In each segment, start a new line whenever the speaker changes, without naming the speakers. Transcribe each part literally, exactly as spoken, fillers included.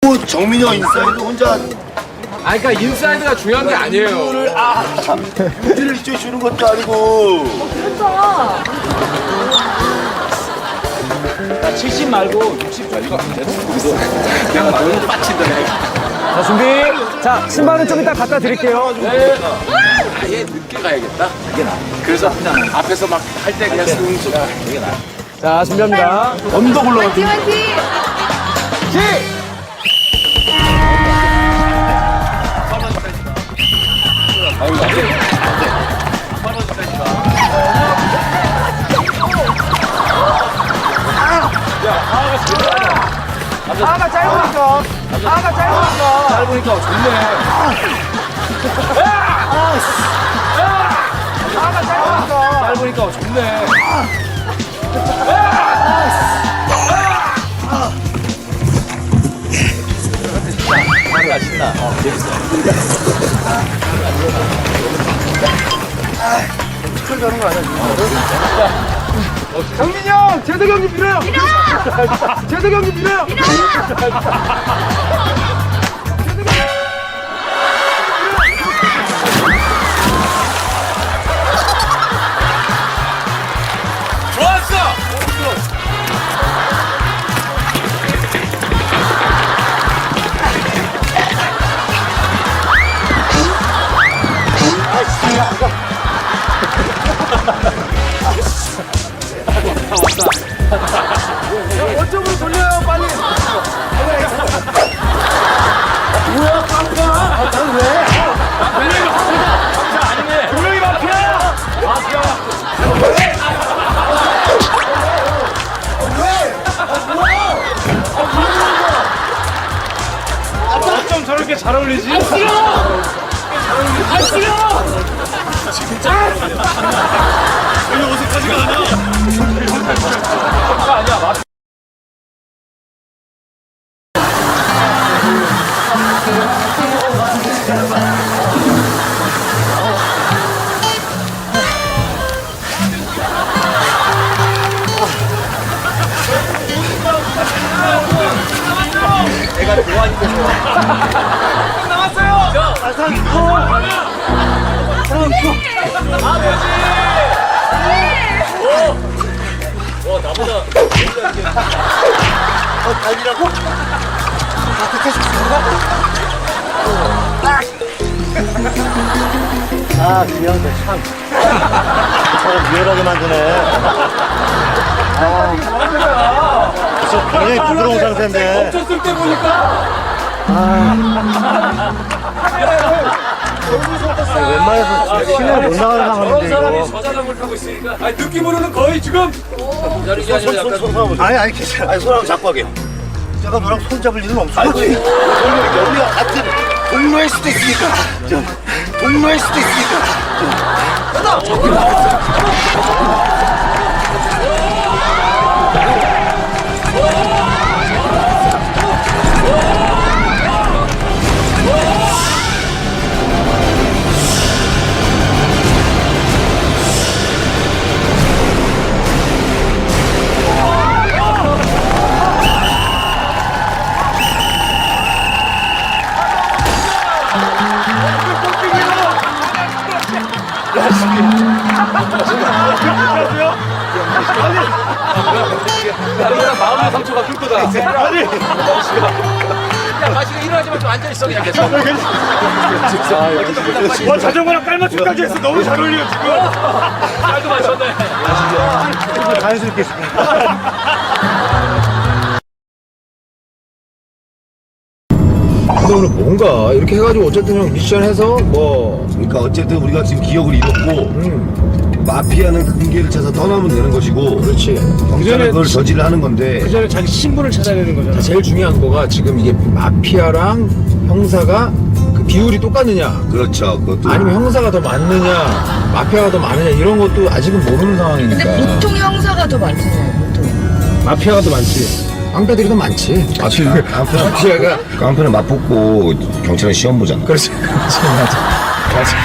뭐 정민영 인사이드 혼자
아 그러니까 인사이드가 중요한 게 아니에요.
아 유지를 이쪽 주는 것도 아니고
그렇죠.
칠십 말고 육십 줘. 이거 그냥 말로 빠친다.
자, 준비. 자, 신발은 좀 이따 갖다 드릴게요.
네. 아예 늦게 가야겠다.
이게 나.
그래서 앞에서 막 할 때 그냥 쓱
이게 나.
자, 준비합니다.
언덕 올라가
화이팅 화이팅.
아가 짧으니까. 아가 짧으니까.
짧으니까 좋네.
아가 짧으니까.
짧으니까 좋네. 신나 신나. 어, 재밌어.
정민이 형! 재석이 형님 밀어요! 재석이 형님 밀어요!
좋았어.
원점으로 돌려요, 빨리! 뭐야, 깜깜! 난 왜? 분명히 마피아야!
어쩜 저렇게 잘 어울리지? 내가 좋아하니까 좋아.
나왔어요. 와 나보다
어 달리라고? 아 귀여운데 참 저를 유연하게 만드네 아 그래서 굉장히 부드러운 상태인데
쳤을 때 보니까
웬만해서 신을 못 나가는
저런
상황인데
사람이
이거
저 자전거를 타고 있으니까 아니 느낌으로는 거의 지금 기다리기 아니라 약간
아니 아니 괜찮아 아니 손하고 잡고 하게 제가 너랑 손 잡을 일은 없어 아니 우리가 같은 동료일 수도 있으니까 좀 동료일 수도 있으니까
나보다 마음의 상처가 클 거다. 아니 야 마시고 일어나지만 좀 앉아 있어 그냥 계속.
와 자전거랑 깔맞춤까지 했어. 너무 잘 어울려 지금.
잘도 맞췄네.
자연스럽게 했습니다
근데 오늘 뭔가 이렇게 해가지고 어쨌든 형 미션해서 뭐
그러니까 어쨌든 우리가 지금 기억을 잃었고
음,
마피아는 금괴를 찾아 떠나면 되는 것이고
그렇지.
경찰은 그걸 저지를 하는 건데
그 전에 자기 신분을 찾아내는 거잖아.
제일 중요한 거가 지금 이게 마피아랑 형사가 그 비율이 똑같느냐
그렇죠 그것도
아니면 형사가 더 많느냐 마피아가 더 많으냐 이런 것도 아직은 모르는 상황이니까
근데 보통 형사가 더 많잖아요. 보통.
마피아가 더 많지.
깡패들이 더 많지.
깡패,
마피아가
깡패는 맛보고 경찰은 시험 보잖아
그렇지 그렇지 맞아 맞아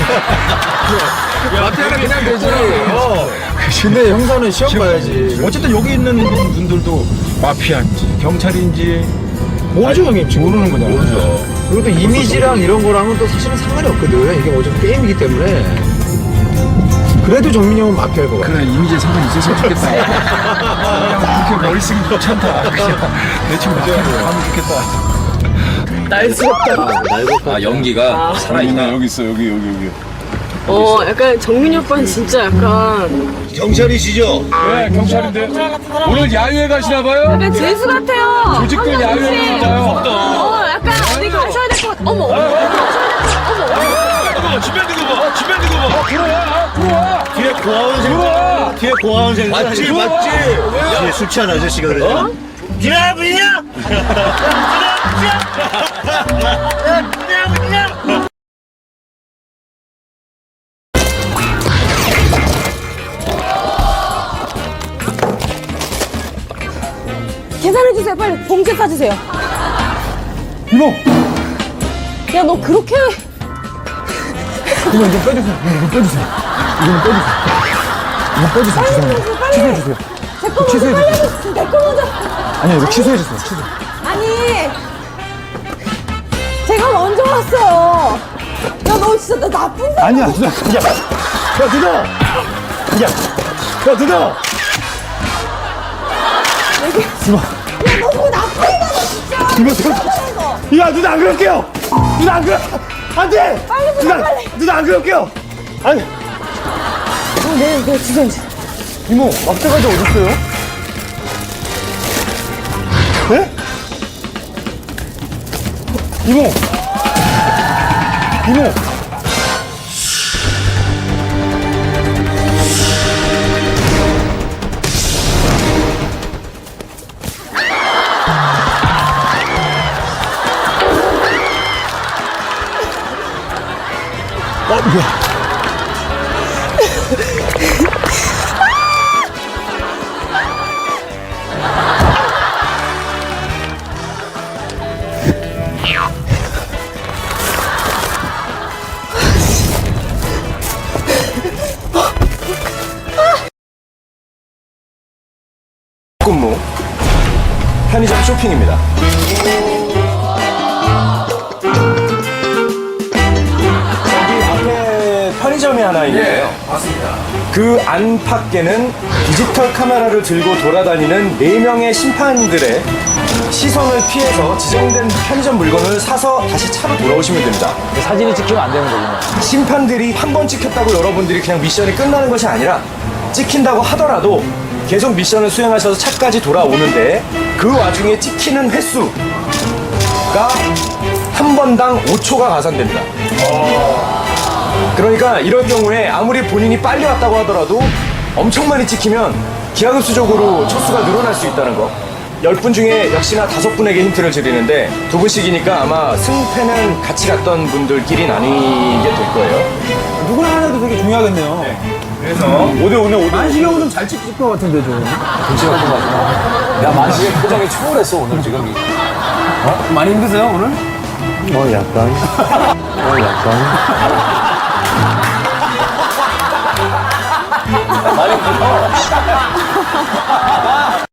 마피아가 그냥 되지. 어. 근데 형사는 시험 봐야지.
어쨌든 여기 있는 분들도 마피아인지 경찰인지
모르죠 형님 지금 모르는 거잖아. 모르죠. 그리고 또 이미지랑 이런 거랑은 또 사실은 상관이 없거든. 이게 어차피 게임이기 때문에. 그래도 정민이 형은 마피아일 것 같아.
그래 이미지에 상관이 있었으면 좋겠다. 그냥 그렇게 머리 쓰기 귀찮다. 그냥 대충 하면 좋겠다.
날씨없다.
아 연기가 살아있나?
여기 있어 여기 여기 여기.
어, 약간 정민이 오빠는 진짜 약간
경찰이시죠?
네 경찰인데 오늘 야유회 가시나 봐요?
약간 재수 같아요.
조직들
한명
야유회
씨.
진짜요?
어, 약간 어디 가셔야 될 것 같아. 어머, 어디 가셔야 될 것 같아. 어머.
집에 두고 봐. 집에 두고 봐. 들어와 들어와.
뒤에 고아원 생각. 뒤에 고아원 생각. 맞지 맞지. 뒤에 술 취한 아저씨가 그러잖아. 비나 비냐? 비나 비냐?
계산해주세요, 빨리. 봉투에 싸주세요.
이모!
야, 너 그렇게.
이모 이거 빼주세요. 이거 빼주세요. 이거는 빼주세요. 이거 빼주세요. 죄송합니다. 취소해주세요.
제거 먼저
취소해주세요.
빨리. 내거 먼저.
아니요, 이거 취소해주세요. 취소.
아니. 제가 먼저 왔어요. 야, 너 진짜 나 나쁜 사람.
아니야, 누나. 야, 야, 누나! 야, 야, 누나! 이모.
야, 너 그거 나쁜 거다, 진짜.
이모, 제가. 야, 누나 안 그럴게요! 누나 안 그럴, 안 돼!
빨리 보자,
누나,
빨리.
누나 안 그럴게요! 아니,
어, 네, 네, 주세요.
이모, 막대가지 어딨어요? 네? 이모! 이모! 어, 뭐야?
근무 편의점 쇼핑입니다. 여기 앞에 편의점이 하나 있는데요.
맞습니다.
그 안팎에는 디지털 카메라를 들고 돌아다니는 네 명의 심판들의 시선을 피해서 지정된 편의점 물건을 사서 다시 차로 돌아오시면 됩니다.
사진이 찍히면 안 되는 거구나.
심판들이 한 번 찍혔다고 여러분들이 그냥 미션이 끝나는 것이 아니라 찍힌다고 하더라도 계속 미션을 수행하셔서 차까지 돌아오는데 그 와중에 찍히는 횟수가 한 번당 오 초가 가산됩니다. 그러니까 이런 경우에 아무리 본인이 빨리 왔다고 하더라도 엄청 많이 찍히면 기하급수적으로 초수가 늘어날 수 있다는 거. 열 분 중에 역시나 다섯 분에게 힌트를 드리는데 두 분씩이니까 아마 승패는 같이 갔던 분들끼리 나뉘게 될 거예요.
누구나 하나도 되게 중요하겠네요.
그래서 오 대 오네 오 대 오.
만식이 형은 좀 잘 찍힐 것 같은데, 좀.
야 만식의 표정이 초월했어 오늘 지금.
많이 힘드세요, 오늘?
뭐 약간. 뭐 약간.
많이 힘들어.